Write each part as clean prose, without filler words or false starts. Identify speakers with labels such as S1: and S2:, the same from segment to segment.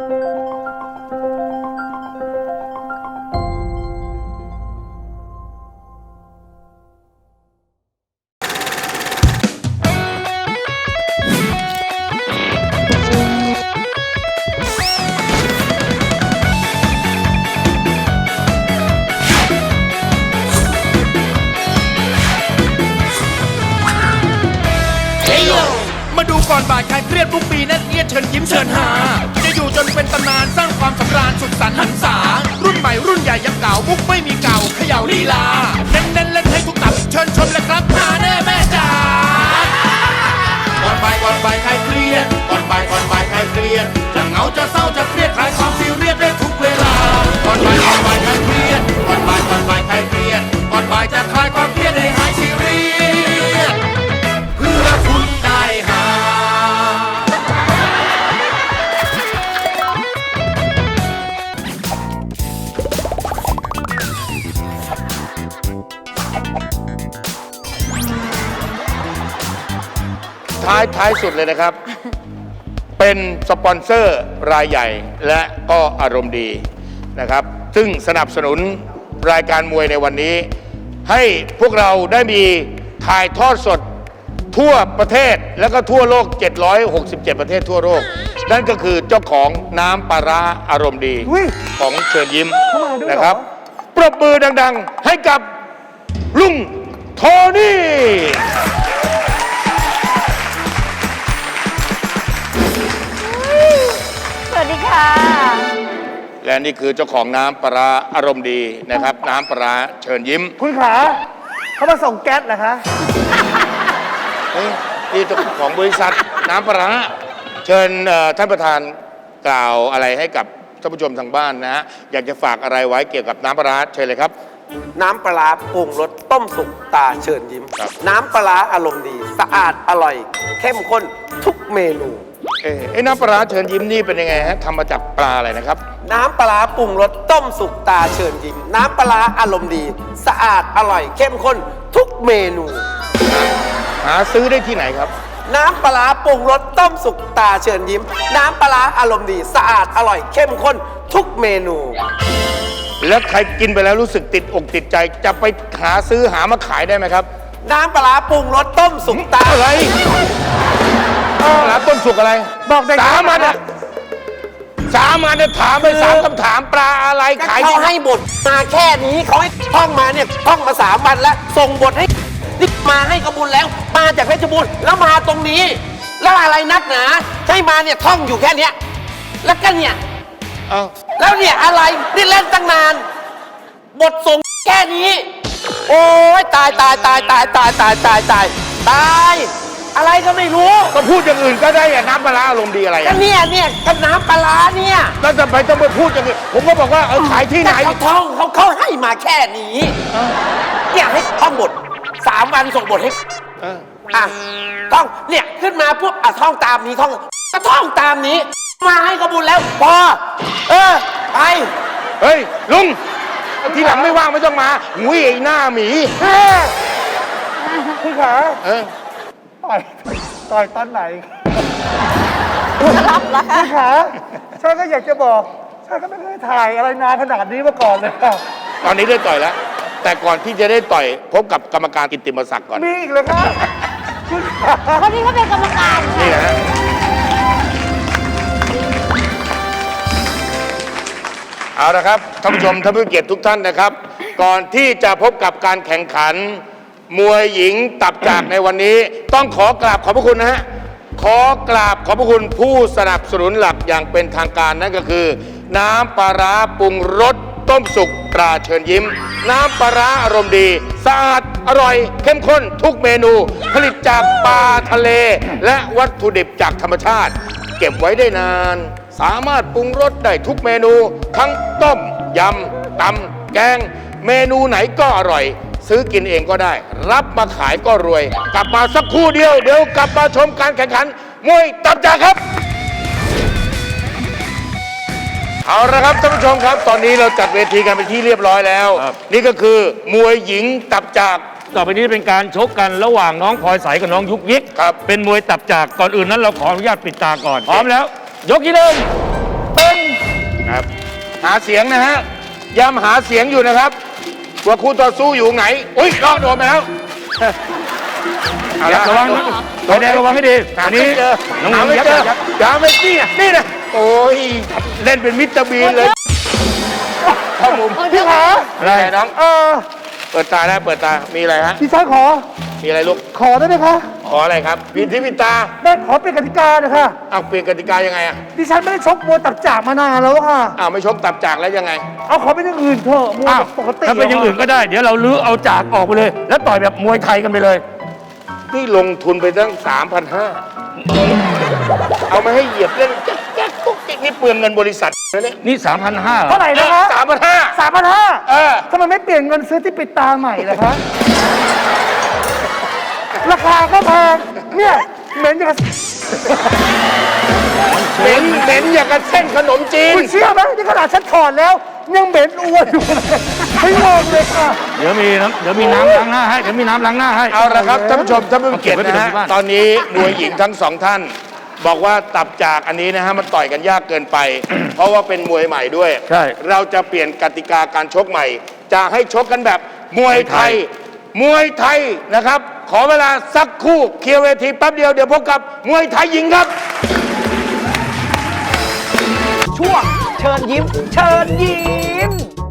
S1: มาดูก่อนบ่ายใครเครียดทุกปีนั่นเอียดเชิญยิ้มเชิญหาจะอยู่จนเป็นตำนานสร้างความสำราญสุขสันต์หันษารุ่นใหม่รุ่นใหญ่ยังเก่ามุกไม่มีเก่าเขย่าลีลาเน้นเล่นให้ทุกตับเชิญชมเลยครับหาแน่แม่จ๋าก่อนบ่ายใครเครียดก่อนบ่ายใครเครียดจะเหงาจะเศร้าจะเครียดคลายความซีเรียสได้ทุกเวลาก่อนบ่ายใครเครียดก่อนบ่ายใครเครียดก่อนบ่ายจะคลายความเครียดให้หายซีเรียสเพื่อคุณได้หาท้ายสุดเลยนะครับ เป็นสปอนเซอร์รายใหญ่และก็อารมณ์ดีนะครับ ซึ่งสนับสนุนรายการมวยในวันนี้ ให้พวกเราได้มีถ่ายทอดสดทั่วประเทศและก็ทั่วโลก767ประเทศทั่วโลกนั่นก็คือเจ้าของน้ำปลาร้าอารมณ์ดีของเชิญยิ้มนะครับปรบมือดังๆให้กับลุงโทนี่
S2: สวัสดีค่ะ
S1: และนี่คือเจ้าของน้ำปลาร้าอารมณ์ดีนะครับน้ำปลาร้าเชิญยิ้ม
S3: คุณขาเขามาส่งแก๊สเหรอคะ
S1: นี่เจ้าของบริษัทน้ำปลาร้าเชิญท่านประธานกล่าวอะไรให้กับท่านผู้ชมทางบ้านนะฮะอยากจะฝากอะไรไว้เกี่ยวกับน้ำปลาร้าเชิญเลยครับ
S4: น้ำปลาร้าปรุงรสต้มสุกตาเชิญยิ้มน้ำปลาร้าอารมณ์ดีสะอาดอร่อยเข้มข้นทุกเมนู
S1: ไอ้น้ำปลาร้าเชิญยิ้มนี่เป็นยังไงฮะทำมาจากปลาอะไรนะครับ
S4: น้ำปลาร้าปรุงรสต้มสุกตาเชิญยิ้มน้ำปลาร้าอารมณ์ดีสะอาดอร่อยเข้มข้นทุกเมนู
S1: หาซื้อได้ที่ไหนครับ
S4: น้ำปลาร้าปรุงรสต้มสุกตาเชิญยิ้มน้ำปลาร้าอารมณ์ดีสะอาดอร่อยเข้มข้นทุกเมนู
S1: แล้วใครกินไปแล้วรู้สึกติดอกติดใจจะไปหาซื้อหามาขายได้ไหมครับ
S4: น้ำปลาร้าปรุงรสต้มสุกตา
S1: อะไรปลาร้าต้มสุกอะไร
S3: บอกได้
S1: สามอันเนี่ยถามไป3 คำถามปลาอะไรขาย
S4: เขาให้บทมาแค่นี้เขาให้ท่องมาเนี่ยท่องมา3 วันแล้วส่งบทให้นี่มาให้กระบุญแล้วมาจากเพชรบูรณ์แล้วมาตรงนี้แล้วอะไรนักหนาใช่มาเนี่ยท่องอยู่แค่เนี้ยแล้วก็เนี่ยแล้วเนี่ยอะไรนี่เล่นตั้งนานบทส่งแค่นี้โอ้ยตายอะไรก็ไม่รู้
S1: ก็พูดอย่างอื่นก็ได้น้ำปลาร้าอารมณ์ดีอะไร
S4: ก็เนี่ยก็น้ำปลาร้าเนี่ย
S1: แล้วทำไมต้องไปพูดอย่างอื่นผมก็บอกว่าขายที่ไหน
S4: เขาให้มาแค่นี้เนี่ยให้ท่องบท3 วันส่งบทให้ท่องเนี่ยขึ้นมาปุ๊บท่องตามนี้ก็ท่องตามนี้มาให้กระบุญแล้วพอไป
S1: เฮ้ยลุงทีหลังไม่ว่างไม่ต้องมาหุ้ยไอ้หน้าหมี
S3: คุณขาต่อยตอนไหนคุณขาฉันก็อยากจะบอกฉันก็ไม่เคยถ่ายอะไรนานขนาดนี้มาก่อนเลย
S1: ตอนนี้ได้ต่อยแล้วแต่ก่อนที่จะได้ต่อยพบกับกรรมการกิตติมศักดิ์ก่อน
S3: มีอีกเลยครับ
S2: คนนี้เขาเป็นกรรมการ
S1: นี่นะเอาละครับท่านผู้ชมท่านผู้เกียรติทุกท่านนะครับก่อนที่จะพบกับการแข่งขันมวยหญิงตับจากในวันนี้ต้องขอกราบขอบพระคุณนะฮะขอกราบขอบพระคุณผู้สนับสนุนหลักอย่างเป็นทางการนั่นก็คือน้ำปลาร้าปรุงรสต้มสุกตราเชิญยิ้มน้ำปลาร้าอารมณ์ดีสะอาดอร่อยเข้มข้นทุกเมนูผลิตจากปลาทะเลและวัตถุดิบจากธรรมชาติเก็บไว้ได้นานสามารถปรุงรสได้ทุกเมนูทั้งต้มยำตำแกงเมนูไหนก็อร่อยซื้อกินเองก็ได้รับมาขายก็รวยกลับมาสักครู่เดียวเดี๋ยวกลับมาชมการแข่งขันมวยตับจากครับเอาละครับท่านผู้ชมครับตอนนี้เราจัดเวทีกันเป็นที่เรียบร้อยแล้วนี่ก็คือมวยหญิงตับจาก
S5: ต่อไปนี้เป็นการชกกันระหว่างน้องพลอยใสกับน้องยุกยิกเป็นมวยตับจากก่อนอื่นนั้นเราขออนุญาตปิดตาก่อนพร้อมแล้วยกที่1เป็น
S1: ครับ หาเสียงนะฮะย้ำหาเสียงอยู่นะครับว่าคู่ต่อสู้อยู่ไหนอุ้ยลอกโดนไปแล้วเอาละ
S5: ระวังนะไฟแดงระวังให้ดี
S1: หา
S5: อัน
S1: ไม่
S5: นี้
S1: เจอ
S5: น้อง
S1: หา
S5: ห
S1: ไม่
S5: ยับ
S1: เจอ
S5: ยับ
S1: หาไม่นี่นะโอ้ยเล่นเป็นมิสเตอร์บีนเลยเข้ามุม
S3: พี่ขา
S1: อะไรน้องเปิดตาแล้วเปิดตามีอะไรฮะ
S3: ดิฉันขอ
S1: มีอะไรลูก
S3: ขอได้ไหมคะ
S1: ขออะไรครับพินที่พินตา
S3: แม่ขอเป็นกติกาหนะคะ
S1: เอาเปลี่ยนกติกายังไงอ่ะ
S3: ดิฉันไม่ได้ชกมวยตับจากมานานแล้วค่ะ
S1: อ้าวไม่ชกตับจากแล้วยังไง
S3: เอาขอเป็นอย่างอื่นเถอะมวย
S5: อ้าว
S3: แบบปกติ
S5: ถ้าเป็นอย่างอื่นก็ได้ เดี๋ยวเราลื้อเอาจากออกไปเลย แล้วต่อยแบบมวยไทยกันไปเลย
S1: นี่ลงทุนไปตั้ง 3,500 เอามาให้เหยียบเล่นแจ๊กกุ๊กจิ๊กนี่เปลืองเงินบริษัทนะเนี่ย
S5: นี่ 3,500
S3: เท่าไหร่นะคะ
S1: 3,500
S3: 3,500
S1: เออ
S3: ทำไมไม่เปลี่ยนเงินซื้อที่ปิดตาใหม่ล่ะคะ ราคาก็แพงเนี่ยเหม็นอย่างกับ
S1: เหม็นอย่างกับเส้นขนมจีน
S3: คุณเชื่อไหมนี่ขนาดฉันถอดแล้ว ยังเหม็นอ้วนอยู่เลยไม่งงเลยค่ะ
S5: เดี๋ยวมีน้ำล้างหน้าให้ เดี๋ยวมีน้ำล้างหน้าให้
S1: เอาละครับท่านผู้ชมท่านผู้เกียรติ
S5: เอาเก็บไว้
S1: นะ
S5: ที่
S1: ฮะ
S5: บ้าน
S1: ตอนนี้มวยหญิงทั้งสองท่าน บอกว่าตับจากอันนี้นะฮะมันต่อยกันยากเกินไป เพราะว่าเป็นมวยใหม่ด้วย
S5: ใช่
S1: เราจะเปลี่ยนกติกาการชกใหม่ จะให้ชกกันแบบมวยไทย มวยไทยนะครับ ขอเวลาสักครู่เคลียร์เวทีแป๊บเดียวเดี๋ยวพบกับมวยไทยหญิงครับ
S4: ช่วงเชิญยิ้ม เชิญยิ้ม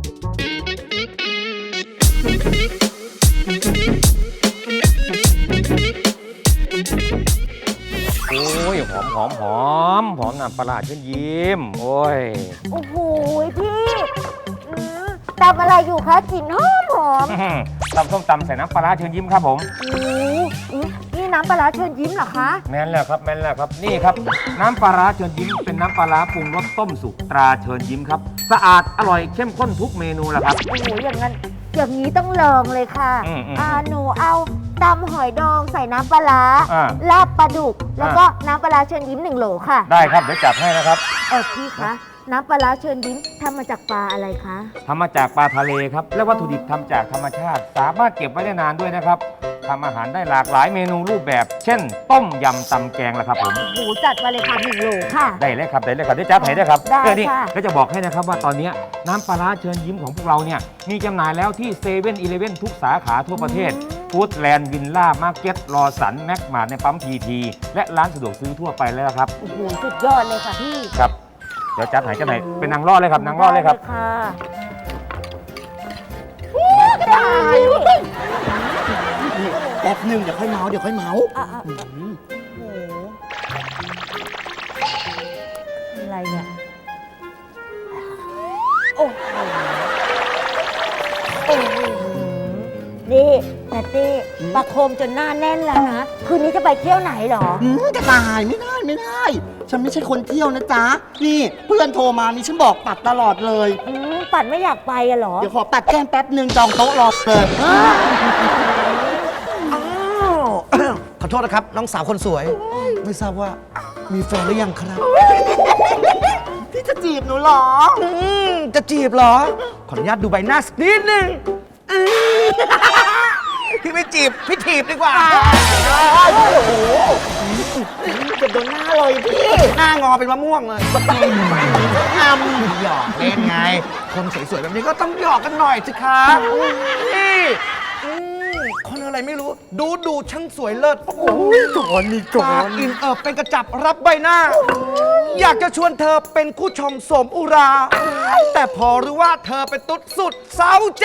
S5: โอ้ยหอมน้ำปลาร้าเชิญยิ้ม โอ้ย
S2: โอ้โหพี่ตำอะไรอยู่คะกลิ่นหอมหอม
S5: ตำส้มตำใส่น้ำปลาร้าเชิญยิ้มครับผม
S2: โอ้โหนี่น้ำปลาร้าเชิญยิ้มเหรอคะ
S5: แม่นแล้วครับนี่ครับ น้ำปลาร้าเชิญยิ้มเป็นน้ำปลาร้าปรุงรสต้มสุกตราเชิญยิ้มครับ สะอาดอร่อยเข้มข้นทุกเมนูแหละครับ
S2: โอ้โหอย่างนี้ต้องลองเลยค่ะ หนูเอาตำหอยดองใส่น้ำปลาร้า
S5: อ่า
S2: ลาบปลาดุก แล้วก็น้ำปลาร้าเชิญยิ้ม1 โหลค่ะ
S5: ได้ครับเดี๋ยวจัดให้นะครับ
S2: พี่คะ น้ำปลาร้าเชิญยิ้มทำมาจากปลาอะไรคะ
S5: ทำมาจากปลาทะเลครับ และวัตถุดิบทำจากธรรมชาติ สามารถเก็บไว้ได้นานด้วยนะครับทำอาหารได้หลากหลายเมนูรูปแบบ เช่น ต้มยำตำแกงละครับผม
S2: โอ้โหจัดมาเลยค่ะ1 โหลค่ะ
S5: ได้เลยครับได้จัดให้ได้ครับ
S2: ได้
S5: นี่
S2: ค่ะ
S5: ก็จะบอกให้นะครับว่าตอนนี้น้ำปลาร้าเชิญยิ้มของพวกเราเนี่ยมีจำหน่ายแล้วที่เซเว่นอีเลฟเว่นทุกสาขาทั่วประเทศฟู้ดแลนด์วินล่ามาร์เก็ตรอสันแม็กมาร์ในปั๊มพีทีและร้านสะดวกซื้อทั่วไปแล้วครับ
S2: โอ้โหสุดยอดเลยค่ะพี่
S5: ครับ เดี๋ยวจัดให้กันไหนเป็นนางรอดเลยครับนางรอดเลยครับ
S2: ได้ค่ะกระต่าย
S6: แป๊บหนึ่งเดี๋ยวค่อยเมาเดี๋ยวค่อยเมา
S2: อ่ะโอ้โหอะไรเนี่ย โอ้โหโอ้โหนี่นัตตี้ประโคมจนหน้าแน่นแล้วนะ คืนนี้จะไปเที่ยวไหนเหรอ
S6: จะตายไม่ได้ ฉันไม่ใช่คนเที่ยวนะจ๊ะ นี่เพื่อนโทรมานี่ฉันบอกปัดตลอดเลย
S2: ปัดไม่อยากไปอะเหรอ
S6: เดี๋ยวขอปัดแก้มแป๊บหนึ่งจองโต๊ะรอเลยขอโทษนะครับ น้องสาวคนสวย ไม่ทราบว่ามีแฟนหรือยังครับ พี่จะจีบหนูเหรอ จะจีบเหรอ ขออนุญาตดูใบหน้าสักนิดนึงพี่ไม่จีบ พี่ถีบดีกว่า โอ้โหเกือบโดนหน้าเลยพี่ หน้างอเป็นมะม่วงเลยทำหยอกเล่นไง คนสวยๆแบบนี้ก็ต้องหยอกกันหน่อยสิคะนี่คนอะไรไม่รู้ ดูช่างสวยเลิศโอ้โหจอนนี่จอนอินเป็นกระจับรับใบหน้า อยากจะชวนเธอเป็นคู่ชมสมอุรา แต่พอรู้ว่าเธอเป็นตุ๊ดสุดเศร้าใจ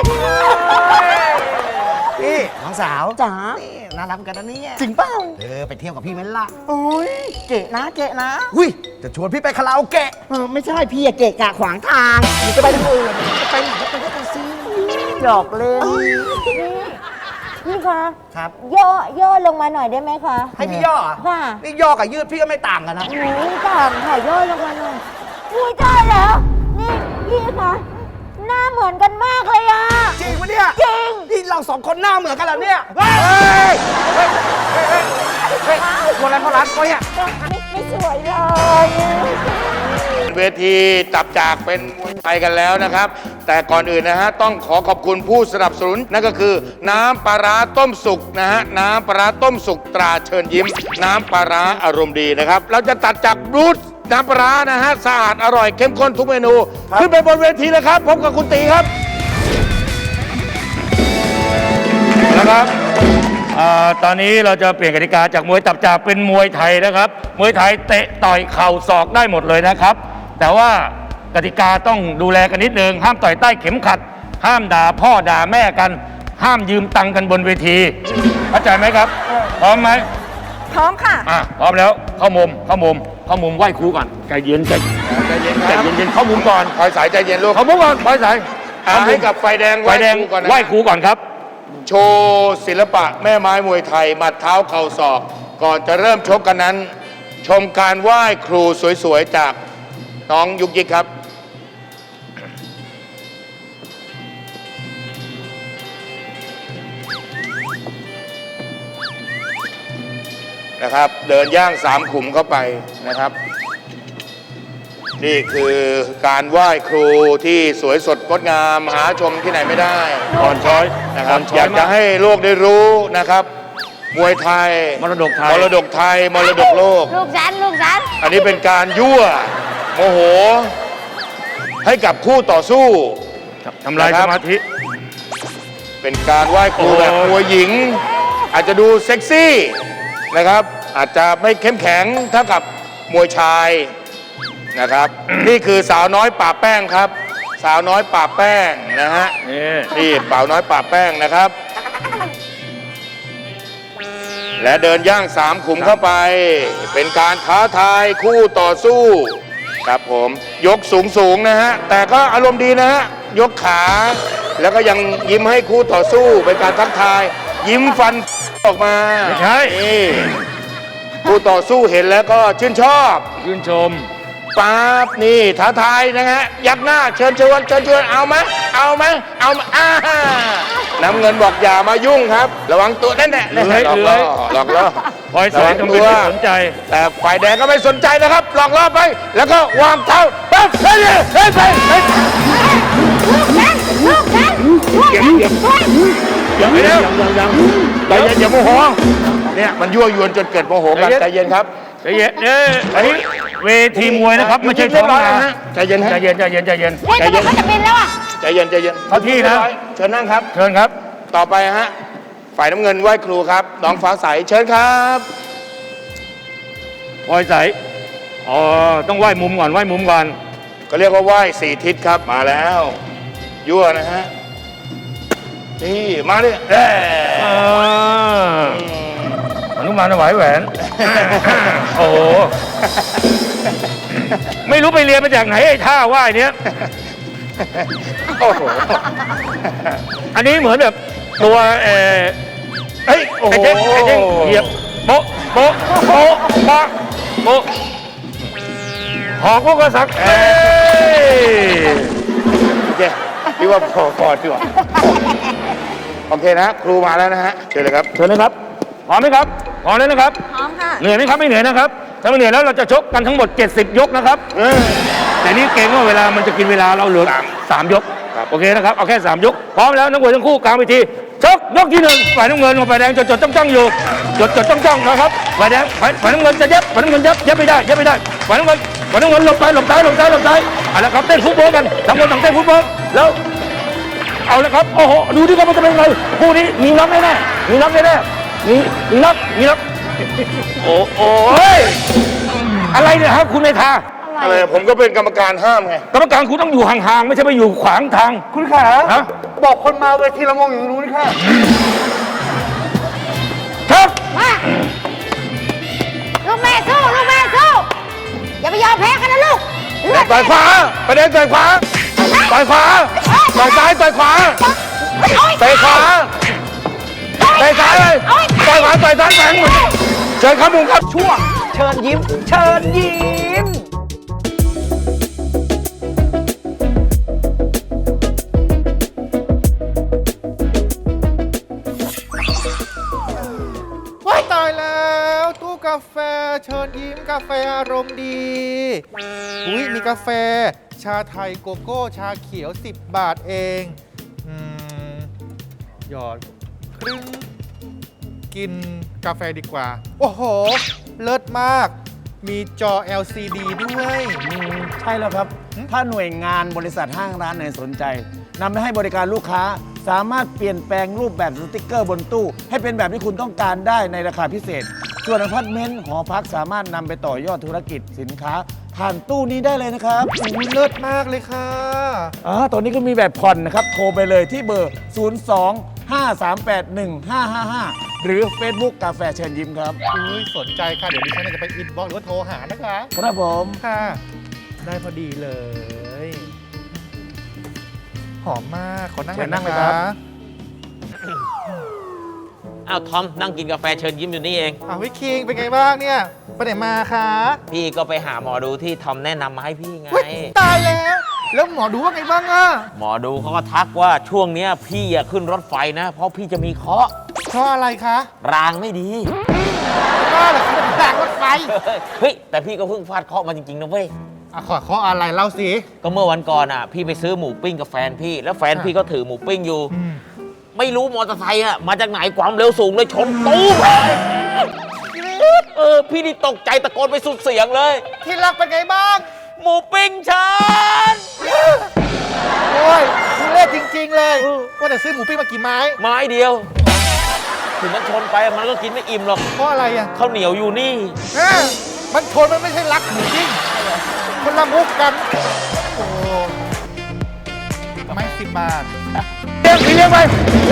S6: พี่น้องสาวจ๋าน่ารักกันนะเนี่ยจริงเปล่าไปเที่ยวกับพี่ไหมล่ะโอ้ยเกะนะอุ้ยจะชวนพี่ไปคาราโอเกะไม่ใช่พี่อะเกะกะขวางทางจะไปทางอื่นจะไปไหนก็ไปก็ไปซิหยอกเล่น
S2: พี่คะ
S6: ครับ
S2: ย่อลงมาหน่อยได้ไหมคะ
S6: ให้พี่ย่อเหรอ
S2: ค่ะ
S6: นี่ย่อกับยืดพี่ก็ไม่ต่างกันนะ
S2: หนูต่างค่ะย่อลงมาหน่อยอุ้ยได้แล้ว นี่พี่คะหน้าเหมือนกันมากเลยอะ
S6: จริงปะเนี่ย
S2: จริง
S6: นี่เราสองคนหน้าเหมือนกันเหรอเนี่ยเฮ้ยคนอะไรเขารักเขาเนี่ย
S2: ไม่สวยเลย
S1: เวทีตับจากเป็นมวยไทยกันแล้วนะครับ แต่ก่อนอื่นนะฮะต้องขอขอบคุณผู้สนับสนุนนั่นก็คือ น้ำปลาร้าต้มสุกนะฮะน้ำปลาร้าต้มสุกตราเชิญยิ้ม น้ำปลาร้าอารมณ์ดีนะครับ เราจะตัดจากบรูซน้ำปลาร้านะฮะสะอาดอร่อยเข้มข้นทุกเมนู ขึ้นไปบนเวทีเลยครับพบกับคุณตีครับนะครับตอนนี้เราจะเปลี่ยนกติกาจากมวยตับจากเป็นมวยไทยนะครับมวยไทยเตะต่อยเข่าศอกได้หมดเลยนะครับ แต่ว่ากติกาต้องดูแลกันนิดนึงห้ามต่อยใต้เข็มขัด ห้ามด่าพ่อด่าแม่กัน ห้ามยืมตังค์กันบนเวทีเข้าใจไหมครับพร้อมไหม
S2: พร้อมค่ะ
S1: พร้อมแล้วเข้ามุมไหว้ครูก่อนใจเย็นใจเย็นเข้ามุมก่อนคอยสายใจเย็นลูกเข้ามุมก่อนคอยสายให้กับไฟแดงไหว้ครูก่อนครับโชว์ศิลปะแม่ไม้มวยไทยหมัดเท้าเข่าศอกก่อนจะเริ่มชกกันนั้น ชมการไหว้ครูสวยๆจากน้องยุกยิกครับนะครับเดินย่าง3 ขุมเข้าไปนะครับ นี่คือการไหว้ครูที่สวยสดงดงามหาชมที่ไหนไม่ได้อ่อนช้อยนะครับอยากจะให้โลกได้รู้นะครับ มวยไทยมรดกไทยมรดกโลก
S2: ลูกฉัน
S1: อันนี้เป็นการยั่วโมโห ให้กับคู่ต่อสู้ทำลายสมาธิเป็นการไหว้ครูแบบมวยหญิง อาจจะดูเซ็กซี่นะครับอาจจะไม่เข้มแข็งเท่ากับมวยชายนะครับ นี่คือสาวน้อยป่าแป้งครับ สาวน้อยป่าแป้งนะฮะนี่สาวน้อยป่าแป้งนะครับ และเดินย่าง3 ขุมเข้าไป เป็นการท้าทายคู่ต่อสู้ครับผมยกสูงนะฮะแต่ก็อารมณ์ดีนะฮะยกขาแล้วก็ยังยิ้มให้คู่ต่อสู้เป็นการทักทาย ยิ้มฟันออกมาไม่ใช่คู่ต่อสู้เห็นแล้วก็ชื่นชอบชื่นชมปั๊บนี่ท้าทายนะฮะยักหน้าเชิญเอาไหมน้ำเงินบอกอย่ามายุ่งครับระวังตัวนั่นแหละหลอกล่อคอยสอนทำเป็นไม่สนใจแต่ฝ่ายแดงก็ไม่สนใจนะครับหลอกล่อไปแล้วก็วางเท้าปั๊บเฮ้ย
S2: ลูกฉัน
S1: ยังไม่แล้วใจเย็นอย่าโมโหเนี่ยมันยั่วยวนจนเกิดโมโหกันใจเย็นครับใจเย็นอันนี้เวทีมวยนะครับไม่ใช่ท้องนาใจเย็นใจเย็น
S2: เขาจะบินแล้วอ่ะ
S1: ใจเย็นเข้าที่นะเชิญนั่งครับเชิญครับต่อไปฮะฝ่ายน้ำเงินไหว้ครูครับน้องฟ้าใสเชิญครับพลอยใสต้องไหว้มุมก่อนก็เรียกว่าไหว้4 ทิศครับมาแล้วยั่วนะฮะนี่มาดิอนุมานถวายแหวนโอ้โหไม่รู้ไปเรียนมาจากไหนไอ้ท่าไหว้เนี้ยโอ้โหอันนี้เหมือนแบบตัวเฮ้ยโอ้โหเหยียบโป๊ะหอกพวกกษัตริย์โอเคพี่ว่าพอดีกว่าโอเคนะครูมาแล้วนะฮะเชิญเลยครับพร้อมไหมครับพร้อมแล้วนะครับ
S2: พร้อมค่ะ
S1: เหนื่อยไหมครับไม่เหนื่อยนะครับถ้าไม่เหนื่อยแล้วเราจะชกกันทั้งหมด70 ยกนะครับแต่นี่เกรงว่าเวลามันจะกินเวลาเราเหลือ3 ยกโอเคนะครับเอาแค่3 ยกพร้อมแล้วนักมวยทั้งคู่กลางเวทีชกยกที่1ฝ่ายน้ำเงินกับฝ่ายแดงจดจ้องอยู่จดจ้องนะครับฝ่ายแดงฝ่ายน้ำเงินจะยับฝ่ายน้ำเงินยับไม่ได้ฝ่ายน้ำเงินหลบซ้ายเอาละครับเต้นฟุตบอลกันทั้งคนต่างเต้นฟุตบอลแล้วเอาละครับโอ้โหดูดิครับมันจะเป็นไงคู่นี้มีน็อกแน่มีน็อกโอ้ยอะไรเนี่ยครับคุณเมธาอะไรผมก็เป็นกรรมการห้ามไงกรรมการคุณต้องอยู่ห่างๆไม่ใช่ไปอยู่ขวางทาง
S3: คุณขาบอกคนมาเวทีละงงอยู่ตรงนู้นค่ะ
S1: ครับ
S2: มาลูกแม่สู้อย่าไปยอมแพ้กันนะลูก
S1: ต่อยขวาประเด็นต่อยขวาต่อยซ้ายต่อยขวาเตะขวาเลยต่อยขวาต่อยซ้ายแฝงหมดเชิญครับมุมครับ
S6: ช่วงเชิญยิ้ม
S3: ว้ายตายแล้วตู้กาแฟเชิญยิ้มกาแฟอารมณ์ดีอุ้ยมีกาแฟชาไทยโกโก้ชาเขียว10 บาทเองหยอดครึ่งกินกาแฟดีกว่าโอ้โหเลิศมากมีจอ LCD ด้วย
S6: ใช่แล้วครับ ถ้าหน่วยงานบริษัทห้างร้านไหนสนใจนำไปให้บริการลูกค้า สามารถเปลี่ยนแปลงรูปแบบสติกเกอร์บนตู้ ให้เป็นแบบที่คุณต้องการได้ในราคาพิเศษ ส่วนอพาร์ตเมนต์หอพักสามารถนำไปต่อยอดธุรกิจสินค้า ผ่านตู้นี้ได้เลยนะครับ
S3: อุ้ยเลิศมากเลยค่ะ
S6: ตอนนี้ก็มีแบบผ่อนนะครับ โทรไปเลยที่เบอร์ 02-538-1555 หรือ Facebook กาแฟเชิญยิ้มครับ
S3: อุ้ยสนใจค่ะ เดี๋ยวดิฉันจะไปอินบ็อกซ์หรือว่าโทรหานะคะ
S6: ครับผม
S3: ค่ะ ได้พอดีเลย หอมมาก ขอนั่งหน่อย
S6: เชิญนั่
S3: นะ
S6: งเลย
S3: คะ
S6: ครับ
S4: อ้าวทอมนั่งกินกาแฟเชิญยิ้มอยู่นี่เอง
S3: วิคิงเป็นไงบ้างเนี่ยไปไหนมาคะ
S4: พี่ก็ไปหาหมอดูที่ทอมแนะนำมาให้พี่ไง
S3: อุ๊ยตายแล้ว แล้วหมอดูว่าไงบ้างอะ
S4: หมอดูเขาก็ทักว่าช่วงเนี้ยพี่อย่าขึ้นรถไฟนะ เพราะพี่จะมีเคราะห์
S3: เพราะอะไรคะ
S4: รางไม่ดี
S3: ก็เหรอคะทางรถไฟ
S4: เฮ้ย แต่พี่ก็เพิ่งฟาดเคราะห์มาจริงๆนะเว้ย
S3: ขออะไรเล่าสิ
S4: ก็เมื่อวันก่อนอ่ะ พี่ไปซื้อหมูปิ้งกับแฟนพี่ แล้วแฟนพี่ก็ถือหมูปิ้งอยู่ ไม่รู้มอเตอร์ไซค์อ่ะมาจากไหนความเร็วสูงเลยชนตู้มพี่นี่ตกใจตะโกนไปสุดเสียงเลย
S3: ที่รักเป็นไงบ้าง
S4: หมูปิ้งฉัน
S3: โอ้ยทุเรศจริง ๆ เลยว่าแต่ซื้อหมูปิ้งมากี่ไม้
S4: ไม้เดียว ถึงมันชนไปมันก็กินไม่อิ่มหรอก
S3: เพราะอะไรอ่ะ
S4: ข้าวเหนียวอยู่นี่
S3: มันชนมันไม่ใช่รักหมูปิ้งคนละมุกกัน โอ้ไม้10 บาท
S1: พี่เลี้ยงไป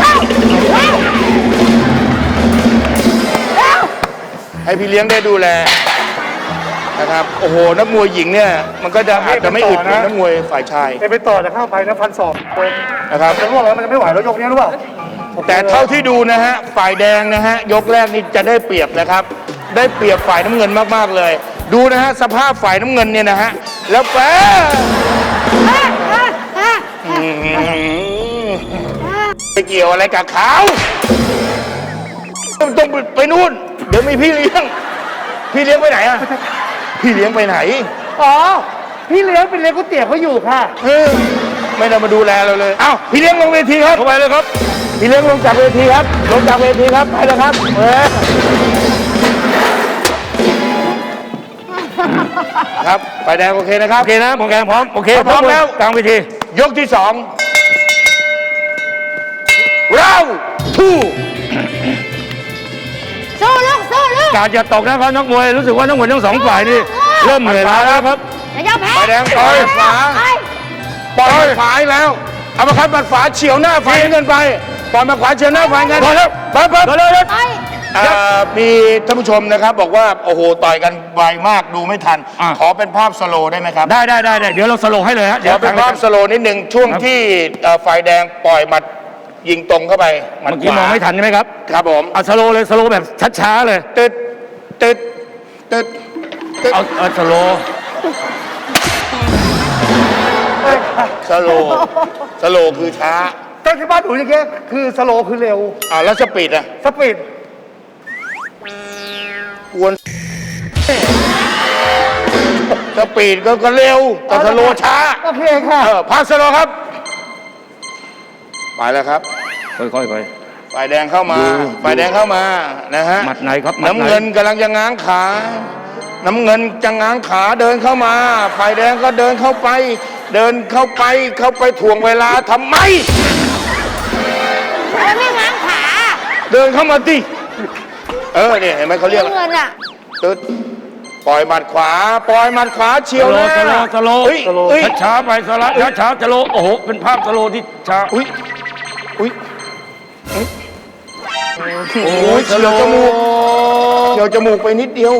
S1: ให้พี่เลี้ยงได้ดูแลนะครับโอ้โหนักมวยหญิงเนี่ยมันก็จะอาจจะไม่อึดเหมือนนักมวยฝ่ายชาย
S7: ไปต่อจะเข้าไปนะ1,200
S1: นะครับ
S7: จะร่วงแล้วมันจะไม่ไหวแล้วยกนี้หรือเปล่า
S1: แต่เท่าที่ดูนะฮะฝ่ายแดงนะฮะยกแรกนี่จะได้เปรียบนะครับ ได้เปรียบฝ่ายน้ำเงินมากๆเลย ดูนะฮะสภาพฝ่ายน้ำเงินเนี่ยนะฮะแล้วแปไปเกี่ยวอะไรกับเขาต้องไปนู่นเดี๋ยวมีพี่เลี้ยงไปไหนอะพี่เลี้ยงไปไหน
S7: อ๋อ พี่เลี้ยงเป็นเลี้ยงก๋วยเตี๋ยวเขาอยู่ค่ะ
S1: ไม่ได้มาดูแลเราเลยอ้าวพี่เลี้ยงลงเวทีครับเข้าไปเลยครับพี่เลี้ยงลงจากเวทีครับลงจากเวทีครับไปเลยครับครับไฟแดงโอเคนะครับโอเคนะผมแกพร้อมโอเคพร้อมแล้วกลางเวทียกที่2เราทู่
S2: สู้ลูกสู้ลูก
S1: การจะตกนะครับนักมวยรู้สึกว่านักมวยทั้งสองฝ่ายนี่เริ่มเหนื่อยล้าแล้วครับ
S2: อย่ายอมแพ้
S1: ไฟแดงปล่อยขวา
S2: ไป
S1: ปล่อยขวาอีกแล้วเอามาคัดบัดฝาเฉียวหน้าไฟเงินไปปล่อยมาขวาเฉียวหน้าไฟเงินพอแล้วไปเลย
S2: ไป
S1: มีท่านผู้ชมนะครับบอกว่าโอ้โหต่อยกันไวมากดูไม่ทัน ขอเป็นภาพสโลว์ได้ไหมครับได้เดี๋ยวเราสโลว์ให้เลยฮะเดี๋ยวเป็นภาพสโลว์นิดหนึ่งช่วงที่ฝ่ายแดงปล่อยหมัดยิงตรงเข้าไปเมื่อกี้มองไม่ทันใช่ไหมครับครับผมเอาสโลว์เลยสโลว์แบบช้าๆเลยตึ๊ดเอาสโลว์สโลว์คือช้า
S7: แต่ที่บ้านหนูอย่างเงี้ยคือสโลว์คือเร็ว
S1: แล้วสปีดอะ
S7: สปีด
S1: กวนสปีดก็เร็วแต่สโลว์ช้า
S7: โอเคค่ะ
S1: ภาพสโลว์ครับไปแล้วครับ
S5: ค่อยๆไป
S1: ฝ่ายแดงเข้ามาฝ่ายแดงเข้ามานะฮะ
S5: หมัดไหนครับหมัดไหน
S1: น้ำเงินกำลังจะง้างขา น้ำเงินจะง้างขาเดินเข้ามาฝ่ายแดงก็เดินเข้าไปถ่วงเวลาทำไม
S2: ไม่ง้างขา
S1: เดินเข้ามาดิเนี่ยเห็นไหมเขาเรียก
S2: เงินอ่ะ
S1: ตึ๊ดปล่อยหมัดขวาเฉียวหน้า
S5: สโลว์
S1: เฮ้ย
S5: ช้าๆไปช้าสโลว์โอ้โหเป็นภาพสโลว์ที่ช้า
S1: อุ้ยโอ้ยเฉียวจมูกไปนิดเดียว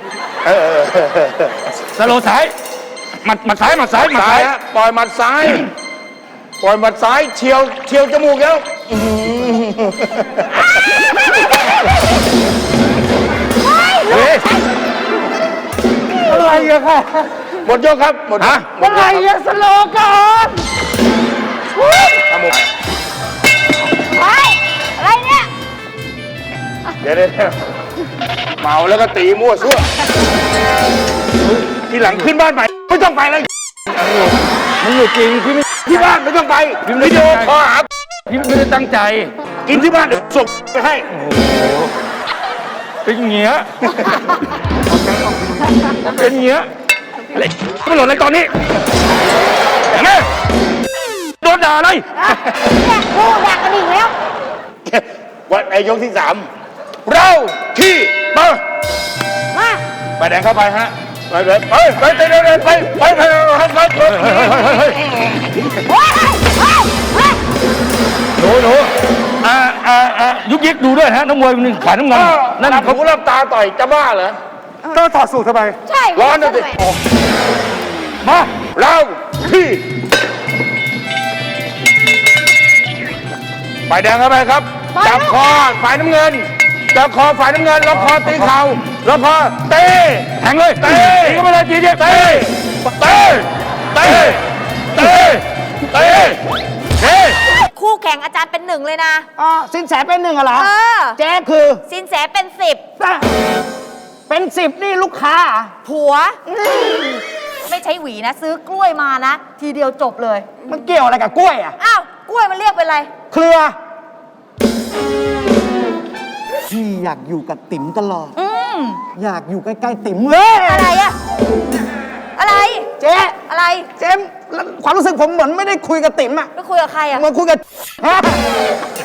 S5: สโลว์ซ้ายหมัดซ้าย
S1: ฮะปล่อยหมัดซ้ายเฉียวจมูกแล้ว
S7: อะไรอะค่ะ
S1: หมดยกครับหมด
S7: อะไรอะสโลว์ก่อน
S1: ครับผม
S2: ไปอะไรเนี่ย
S1: เดี๋ยวเมาแล้วก็ตีมั่วซั่วทีหลังขึ้นบ้านใหม่ไม่ต้องไปเลย
S5: มันอยู่จริงพี่ไม่
S1: ที่บ้านไม่ต้องไปวิดีโอคอลหา
S5: พี่ไม่ได้ตั้งใจ
S1: กินที่บ้านเดี๋ยวส่งไปให้
S5: เป็นเงี้ยเป็นเงี้ยเล็กไม่หล่นเลยตอนนี้เงี้ยโดนด่าเลย
S2: เนี่ยพูดอยากกระดิ่งแล้ว
S1: วันไอยกที่ 3 เราที่มา
S2: มา
S1: ไปแดงเข้าไปฮะไปเลยไปไปไปไปไปไปไปไป
S2: เฮ้ยเฮ้ยเฮ้ย
S5: หนูยุกยิกดูด้วยฮะน้ำมวยคนหนึ่งขายน้ำเงินนั่
S1: นั่
S5: น
S1: น
S5: เขา
S1: หูรับตาต่อยจะบ้าเหรอ
S7: ก็ถอดสูตรทำไม
S2: ใช่
S1: ร้อนนะสิ
S5: มา
S1: เราที่ฝ่ายแดงเข้าไปครับ จับคอฝ่ายน้ำเงิน จับคอฝ่ายน้ำเงินล็อกคอตีเข่าล็อกคอเตะ
S5: แทงเลย
S1: เตะ
S5: ตีเข้าไปเลยทีเดียว
S1: เตะเตะเตะเตะเตะเตะ
S2: คู่แข่งอาจารย์เป็น 1เลยนะ
S6: อ๋อสินแสเป็น1เหรอ
S2: เออ
S6: เจ๊คือ
S2: สินแสเป็น
S6: เป็น10นี่ลูกค้า
S2: 10ผัว ไม่ใช้หวีนะ ซื้อกล้วยมานะ ทีเดียวจบเลย
S6: มันเกี่ยวอะไรกับกล้วยอ่ะ
S2: อ้าว กล้วยมันเรียกเป็นอะไร
S6: เครือ พี่อยากอยู่กับติ๋มตลอด
S2: อืม
S6: อยากอยู่ใกล้ๆติ๋มเลย
S2: อะไรอะอะไร
S6: เจ๊
S2: อะไร
S6: เจ๊ความรู้สึกผมเหมือนไม่ได้คุยกับติ๋มอ่ะ
S2: ไปคุยกับใครอะ
S6: เหมือนคุยกับ